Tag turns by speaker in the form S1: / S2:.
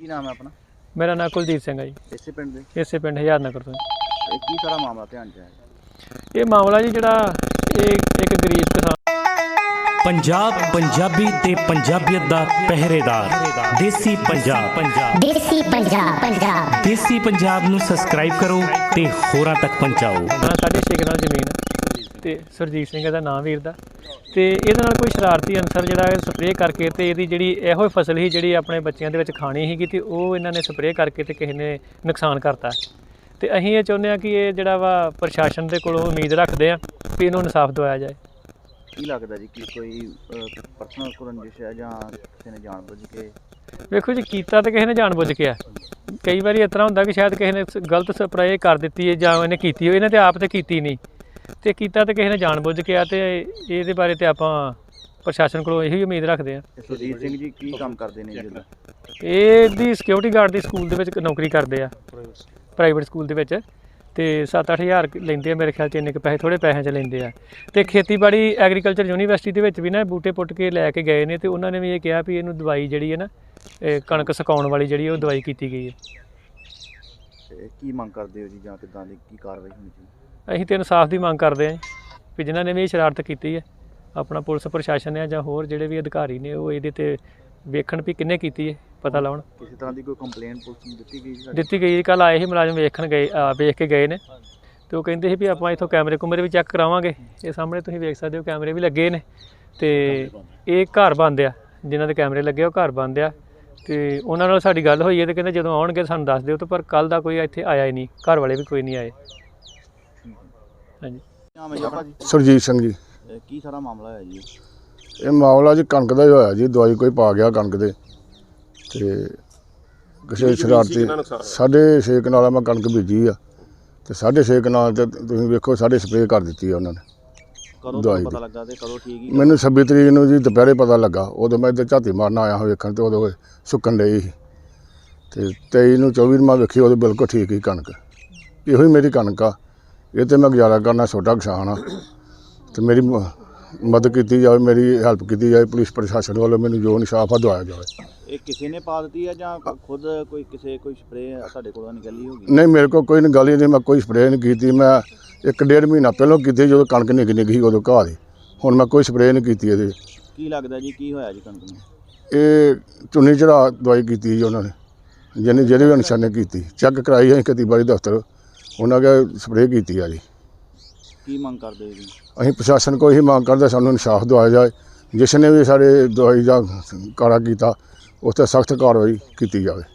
S1: ਕੀ ਨਾਮ ਹੈ ਆਪਣਾ?
S2: ਮੇਰਾ ਨਾਮ ਕੁਲਦੀਪ ਸਿੰਘ ਹੈ ਜੀ।
S1: ਇਸੇ ਪਿੰਡ ਦੇ?
S2: ਇਸੇ ਪਿੰਡ ਹਜ਼ਾਰ ਨਗਰ ਤੋਂ।
S1: ਇਹ ਕੀ ਸਾਰਾ ਮਾਮਲਾ ਧਿਆਨ 'ਚ ਆਇਆ?
S2: ਇਹ ਮਾਮਲਾ ਜੀ ਜਿਹੜਾ ਇਹ ਇੱਕ ਗਰੀਬ ਕਿਸਾਨ
S3: पंजाब पंजाबी ते पंजाबियत दा पहरेदार देसी पंजाब
S4: देसी पंजाब
S3: देसी पंजाब ਨੂੰ ਸਬਸਕ੍ਰਾਈਬ ਕਰੋ ਤੇ ਹੋਰਾਂ ਤੱਕ ਪਹੁੰਚਾਓ।
S2: 6.5 ਕਨਾਲ ਜ਼ਮੀਨ ਤੇ ਸਰਜੀਤ ਸਿੰਘ ਦਾ ਨਾਮ ਵੀਰ ਦਾ ਤੇ ਇਹਦੇ ਨਾਲ ਕੋਈ ਸ਼ਰਾਰਤੀ ਅਨਸਰ ਜਿਹੜਾ ਸਪਰੇਅ ਕਰਕੇ ਤੇ ਇਹਦੀ ਜਿਹੜੀ ਇਹੋ ਫਸਲ ਸੀ ਜਿਹੜੀ ਆਪਣੇ ਬੱਚਿਆਂ ਦੇ ਵਿੱਚ ਖਾਣੀ ਸੀਗੀ ਤੇ ਉਹ ਇਹਨਾਂ ਨੇ ਸਪਰੇਅ ਕਰਕੇ ਤੇ ਕਿਸੇ ਨੇ ਨੁਕਸਾਨ ਕਰਤਾ। ਤੇ ਅਸੀਂ ਇਹ ਚਾਹੁੰਦੇ ਹਾਂ ਕਿ ਇਹ ਜਿਹੜਾ ਵਾ ਪ੍ਰਸ਼ਾਸਨ ਦੇ ਕੋਲੋਂ ਉਮੀਦ ਰੱਖਦੇ ਆ ਕਿ ਇਹਨੂੰ ਇਨਸਾਫ ਦਿਵਾਇਆ ਜਾਏ।
S1: ਕੀ ਲੱਗਦਾ ਜੀ ਕਿ ਕੋਈ ਪਰਸਨਲ ਰੰਜਿਸ਼ ਹੈ ਜਾਂ ਕਿਸੇ ਨੇ ਜਾਣਬੁੱਝ ਕੇ?
S2: ਵੇਖੋ ਜੀ, ਕੀਤਾ ਤਾਂ ਕਿਸੇ ਨੇ ਜਾਣਬੁੱਝ ਕੇ ਆ। ਕਈ ਵਾਰੀ ਇਸ ਤਰ੍ਹਾਂ ਹੁੰਦਾ ਕਿ ਸ਼ਾਇਦ ਕਿਸੇ ਨੇ ਗਲਤ ਸਪਰੇਅ ਕਰ ਦਿੱਤੀ ਹੈ ਜਾਂ ਇਹਨੇ ਕੀਤੀ ਹੋਈ, ਇਹਨੇ ਤੇ ਆਪ ਤੇ ਕੀਤੀ ਨਹੀਂ ਤੇ ਕੀਤਾ ਤਾਂ ਕਿਸੇ ਨੇ ਜਾਣਬੁੱਝ ਕੇ ਆ। ਤੇ ਇਹਦੇ ਬਾਰੇ ਤੇ ਆਪਾਂ ਪ੍ਰਸ਼ਾਸਨ ਕੋਲੋਂ ਇਹੀ ਉਮੀਦ ਰੱਖਦੇ ਆ।
S1: ਸੁਰਜੀਤ ਸਿੰਘ ਜੀ ਕੀ ਕੰਮ ਕਰਦੇ ਨੇ ਜੀ?
S2: ਇਹਦੀ ਸਿਕਿਉਰਿਟੀ ਗਾਰਡ ਦੀ ਸਕੂਲ ਦੇ ਵਿੱਚ ਨੌਕਰੀ ਕਰਦੇ ਆ, ਪ੍ਰਾਈਵੇਟ ਸਕੂਲ ਦੇ ਵਿੱਚ, ਤੇ 7-8 ਹਜ਼ਾਰ ਲੈਂਦੇ ਆ ਮੇਰੇ ਖਿਆਲ 'ਚ। ਇੰਨੇ ਕੁ ਪੈਸੇ, ਥੋੜ੍ਹੇ ਪੈਸਿਆਂ 'ਚ ਲੈਂਦੇ ਆ। ਤੇ ਖੇਤੀਬਾੜੀ ਐਗਰੀਕਲਚਰ ਯੂਨੀਵਰਸਿਟੀ ਦੇ ਵਿੱਚ ਵੀ ਨਾ ਬੂਟੇ ਪੁੱਟ ਕੇ ਲੈ ਕੇ ਗਏ ਨੇ ਤੇ ਉਹਨਾਂ ਨੇ ਵੀ ਇਹ ਕਿਹਾ ਵੀ ਇਹਨੂੰ ਦਵਾਈ ਜਿਹੜੀ ਹੈ ਨਾ ਕਣਕ ਸੁਕਾਉਣ ਵਾਲੀ ਜਿਹੜੀ ਉਹ ਦਵਾਈ ਕੀਤੀ ਗਈ ਹੈ।
S1: ਕੀ ਮੰਗ ਕਰਦੇ ਹੋ ਜੀ ਜਾਂ ਕਿੱਦਾਂ ਦੀ ਕੀ ਕਾਰਵਾਈ ਹੋਣੀ ਚਾਹੀਦੀ?
S2: ਅਸੀਂ ਤਾਂ ਇਨਸਾਫ ਦੀ ਮੰਗ ਕਰਦੇ ਹਾਂ ਵੀ ਜਿਨ੍ਹਾਂ ਨੇ ਵੀ ਇਹ ਸ਼ਰਾਰਤ ਕੀਤੀ ਹੈ, ਆਪਣਾ ਪੁਲਿਸ ਪ੍ਰਸ਼ਾਸਨ ਹੈ ਜਾਂ ਹੋਰ ਜਿਹੜੇ ਵੀ ਅਧਿਕਾਰੀ ਨੇ ਉਹ ਇਹਦੇ 'ਤੇ ਵੇਖਣ ਵੀ ਕਿਹਨੇ ਕੀਤੀ ਹੈ, ਪਤਾ ਲਾਉਣ।
S1: ਕਿਸੇ ਤਰ੍ਹਾਂ ਦੀ ਕੋਈ ਕੰਪਲੇਂਟ ਪੁਲਿਸ ਨੂੰ ਦਿੱਤੀ ਗਈ?
S2: ਦਿੱਤੀ ਗਈ। ਕੱਲ੍ਹ ਆਏ ਸੀ ਮੁਲਾਜ਼ਮ ਵੇਖਣ ਗਏ, ਵੇਖ ਕੇ ਗਏ ਨੇ ਤੇ ਉਹ ਕਹਿੰਦੇ ਸੀ ਵੀ ਆਪਾਂ ਇੱਥੋਂ ਕੈਮਰੇ ਕੁਮਰੇ ਵੀ ਚੈੱਕ ਕਰਾਵਾਂਗੇ। ਇਹ ਸਾਹਮਣੇ ਤੁਸੀਂ ਵੇਖ ਸਕਦੇ ਹੋ ਕੈਮਰੇ ਵੀ ਲੱਗੇ ਨੇ ਤੇ ਇਹ ਘਰ ਬੰਦ ਆ, ਜਿਨ੍ਹਾਂ ਦੇ ਕੈਮਰੇ ਲੱਗੇ ਉਹ ਘਰ ਬੰਦ ਆ। ਤੇ ਉਹਨਾਂ ਨਾਲ ਸਾਡੀ ਗੱਲ ਹੋਈ ਹੈ ਤੇ ਕਹਿੰਦੇ ਜਦੋਂ ਆਉਣਗੇ ਸਾਨੂੰ ਦੱਸ ਦਿਓ। ਤੇ ਪਰ ਕੱਲ੍ਹ ਦਾ ਕੋਈ ਇੱਥੇ ਆਇਆ ਹੀ ਨਹੀਂ, ਘਰ ਵਾਲੇ ਵੀ ਕੋਈ ਨਹੀਂ ਆਏ। ਹਾਂਜੀ।
S1: ਨਾਮ ਹੈ ਜੀ ਆਪਣਾ?
S5: ਸਰਜੀਤ ਸਿੰਘ ਜੀ।
S1: ਕੀ ਸਾਰਾ ਮਾਮਲਾ ਹੈ ਜੀ?
S5: ਇਹ ਮਾਮਲਾ ਜੀ ਕਣਕ ਦਾ ਹੀ ਹੋਇਆ ਜੀ। ਦਵਾਈ ਕੋਈ ਪਾ ਗਿਆ ਕਣਕ ਦੇ ਤੇ ਕਿਸੇ ਸ਼ਰਾਰਤੀ 6.5 ਕਨਾਲਾਂ ਮੈਂ ਕਣਕ ਬੀਜੀ ਆ ਤੇ 6.5 ਕਨਾਲ ਤੇ ਤੁਸੀਂ ਵੇਖੋ ਸਾਡੇ ਸਪਰੇਅ ਕਰ ਦਿੱਤੀ ਆ ਉਹਨਾਂ ਨੇ।
S1: ਕਦੋਂ
S5: ਦਵਾਈ
S1: ਪਤਾ ਲੱਗਾ ਤੇ ਕਦੋਂ ਠੀਕ ਹੀ?
S5: ਮੈਨੂੰ 26 ਤਰੀਕ ਨੂੰ ਜੀ ਦੁਪਹਿਰੇ ਪਤਾ ਲੱਗਾ। ਉਦੋਂ ਮੈਂ ਇੱਧਰ ਝਾਤੀ ਮਾਰਨ ਆਇਆ ਹਾਂ ਵੇਖਣ ਤੇ ਉਦੋਂ ਸੁੱਕਣ ਡਈ ਸੀ ਤੇ 23 ਨੂੰ 24 ਨੂੰ ਮੈਂ ਵੇਖੀ ਉਦੋਂ ਬਿਲਕੁਲ ਠੀਕ ਹੀ ਕਣਕ। ਇਹੋ ਹੀ ਮੇਰੀ ਕਣਕ ਆ, ਇਹ ਤੇ ਮੈਂ ਗੁਜ਼ਾਰਾ ਕਰਨਾ, ਛੋਟਾ ਕਿਸਾਨ ਆ ਤੇ ਮੇਰੀ ਮਦਦ ਕੀਤੀ ਜਾਵੇ, ਮੇਰੀ ਹੈਲਪ ਕੀਤੀ ਜਾਵੇ। ਪੁਲਿਸ ਪ੍ਰਸ਼ਾਸਨ ਵੱਲੋਂ ਮੈਨੂੰ ਜੋ ਇਨਸਾਫ ਆ ਦਵਾਇਆ ਜਾਵੇ।
S1: ਇਹ ਕਿਸੇ ਨੇ ਪਾ ਦਿੱਤੀ ਹੈ ਜਾਂ ਖੁਦ ਕੋਈ ਸਪਰੇਅ ਤੁਹਾਡੇ ਕੋਲੋਂ ਨਿਕਲੀ ਹੋਗੀ?
S5: ਨਹੀਂ, ਮੇਰੇ ਕੋਲ ਕੋਈ ਗੱਲ ਹੀ ਨਹੀਂ। ਮੈਂ ਕੋਈ ਸਪਰੇਅ ਨਹੀਂ ਕੀਤੀ। ਮੈਂ 1.5 ਮਹੀਨਾ ਪਹਿਲਾਂ ਕੀਤੀ ਜਦੋਂ ਕਣਕ ਨਿੱਘੀ ਸੀ ਉਦੋਂ ਘਾਹ ਦੀ। ਹੁਣ ਮੈਂ ਕੋਈ ਸਪਰੇਅ ਨਹੀਂ ਕੀਤੀ ਇਹਦੇ।
S1: ਕੀ ਲੱਗਦਾ ਜੀ ਕੀ ਹੋਇਆ ਜੀ ਕਣਕ ਨੂੰ?
S5: ਇਹ ਚੁੰਨੀ ਚੜਾ ਦਵਾਈ ਕੀਤੀ ਜੀ ਉਹਨਾਂ ਨੇ, ਜਿਹੜੇ ਵੀ ਅਨਸਰ ਨੇ ਕੀਤੀ। ਚੈੱਕ ਕਰਾਈ ਅਸੀਂ ਖੇਤੀਬਾੜੀ ਦਫ਼ਤਰ, ਉਹਨਾਂ ਕੇ ਸਪਰੇਅ ਕੀਤੀ ਆ ਜੀ।
S1: ਕੀ ਮੰਗ ਕਰਦੇ ਜੀ?
S5: ਅਸੀਂ ਪ੍ਰਸ਼ਾਸਨ ਕੋਲ ਇਹੀ ਮੰਗ ਕਰਦੇ ਸਾਨੂੰ ਇਨਸਾਫ ਦਿਵਾਇਆ ਜਾਏ। ਜਿਸ ਨੇ ਵੀ ਸਾਡੇ ਦਵਾਈ ਦਾ ਕਾਰਾ ਕੀਤਾ ਉਸ 'ਤੇ ਸਖਤ ਕਾਰਵਾਈ ਕੀਤੀ ਜਾਵੇ।